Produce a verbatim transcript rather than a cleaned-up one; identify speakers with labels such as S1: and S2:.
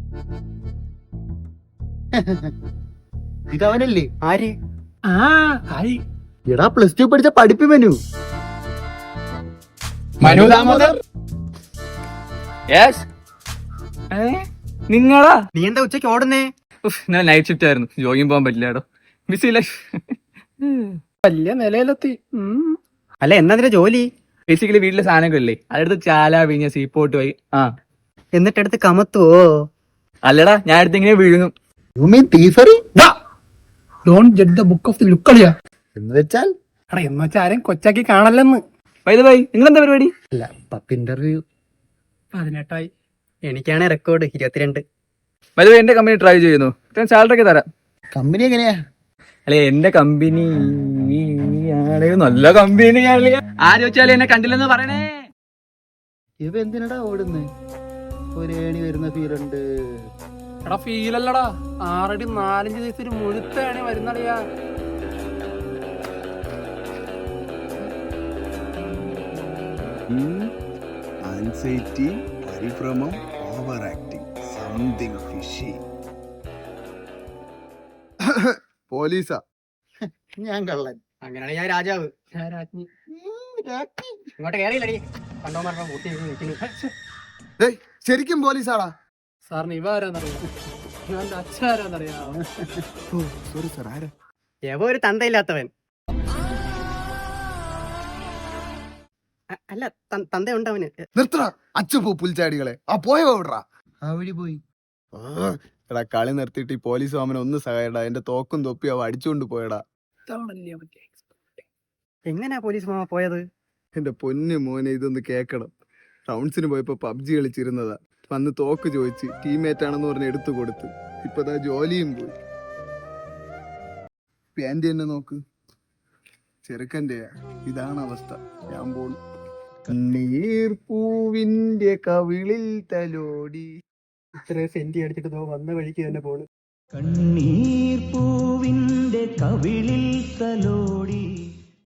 S1: ഇതവനല്ലേ? ആര്?
S2: ആ ആയി.
S1: എടാ പ്ലസ് ടു പഠിച്ച പഠിപ്പി മനു.
S2: മനു ദാമോദർ.
S3: യെസ്, നിങ്ങളാ?
S1: നീ എന്താ ഉച്ചക്ക് ഓടുന്നേ?
S3: ഞാൻ നൈറ്റ് ഷിഫ്റ്റ് ആയിരുന്നു, ജോഗിങ് പോകാൻ പറ്റില്ലാടോ. BC life.
S2: വലിയ നിലയിലെത്തി.
S1: അല്ല എന്നാ നിന്റെ ജോലി?
S3: ബേസിക്കലി വീട്ടിലെ സാധനങ്ങളില്ലേ, അതെടുത്ത് ചാല വിഴിഞ്ഞ സീപ്പോട്ട് പോയി. ആ
S1: എന്നിട്ടെടുത്ത് കമത്തുവോ?
S3: അല്ലടാ, ഞാൻ അടുത്ത് ഇങ്ങനെ വിഴുങ്ങും.
S1: You mean thievery?
S2: Don't judge the book of the look കളിയാ.
S1: എന്ന് വെച്ചാൽ
S2: എടാ എന്ന് വെച്ചാൽ ആരെയും കൊച്ചാക്കി കാണല്ലെന്ന്.
S3: ബൈ ദ ബൈ, നിങ്ങളെന്താ പരിപാടി?
S1: അല്ല പത്ത് ഇന്റർവ്യൂ.
S2: പതിനെട്ടായി.
S1: എനിക്കാണ് റെക്കോർഡ് ഇരുപത്തിരണ്ട്.
S3: ബൈ ദ ബൈ, എന്റെ കമ്പനി ട്രൈ ചെയ്യുന്നു, സാലറി ഒക്കെ തരാം.
S1: കമ്പനി എങ്ങനെയാ?
S3: അല്ലെ എന്റെ കമ്പനി നല്ല കമ്പനി. ആര് വെച്ചാലും എന്നെ കണ്ടില്ലെന്ന് പറയണേ.
S1: ഇവ എന്തിനടാ ഓടുന്നേ? ഒരു ഏണി വരുന്ന ഫീലുണ്ട്.
S2: എടാ ഫീലല്ലടാ, ആറടി നാലഞ്ച് ദിവസം ഒരു മുഴുത്തേണി വരുന്നടിയാ.
S4: ആൻസൈറ്റി, പരിഭ്രമം, ഓവർ ആക്ടിങ്, സംതിങ് ഫിഷി. പോലീസാ?
S1: ഞാൻ കള്ളൻ.
S2: അങ്ങനെയാണ് ഞാൻ രാജാവ്. ഞാൻ രാജ്ഞി. ഇങ്ങോട്ട് കേറിയില്ലടി. കണ്ടോ മരണം കൂട്ടി നിൽക്കുന്നു.
S4: ശരിക്കും പോലീസാടാ?
S2: സാറിന് ഇവ ആരാന്നറിയാം? ഇവന്റെ അച്ഛൻ ആരാന്നറിയാം?
S4: സോറി സാർ, ആരാ?
S1: എവ ഒരു തന്തയില്ലാത്തവൻ. അ- അല്ല ത- തന്തയുണ്ട് അവന്.
S4: നിർത്തടാ അച്ചുപൂ പുൽച്ചാടികളെ. ആ പോയ വിടറാ. ആ വഴി പോയി. എടാ കളി നിർത്തിയിട്ട് ഈ പോലീസ് മാമനെ ഒന്ന് സഹായടാ. എന്റെ തോക്കും തൊപ്പി അവ അടിച്ചുകൊണ്ട് പോയടാ.
S1: എങ്ങനെയാ പോലീസ് മാമ പോയത്?
S4: എന്റെ പൊന്നു മോനെ, ഇതൊന്ന് കേക്കണം. റൗണ്ട്സിന് പോയപ്പോ പബ്ജി കളിച്ചിരുന്നതാ. വന്ന് തോക്ക് ചോദിച്ച് ടീമേറ്റ് ആണെന്ന് പറഞ്ഞ് എടുത്തു കൊടുത്ത്. ഇപ്പതാ ജോലിയും പോയി. പാൻറ് തന്നെ നോക്ക്, ചെറുക്കൻ്റെയാ. ഇതാണ് അവസ്ഥ. ഞാൻ പോണു. നീർപ്പൂവിന്റെ കവിളിൽ തലോടി.
S1: ഇത്ര സെന്റി അടിച്ചിട്ട് ദോ വന്ന വഴിക്ക് തന്നെ പോണ്.
S5: കണ്ണീർ പൂവിന്റെ കവിളിൽ തലോടി.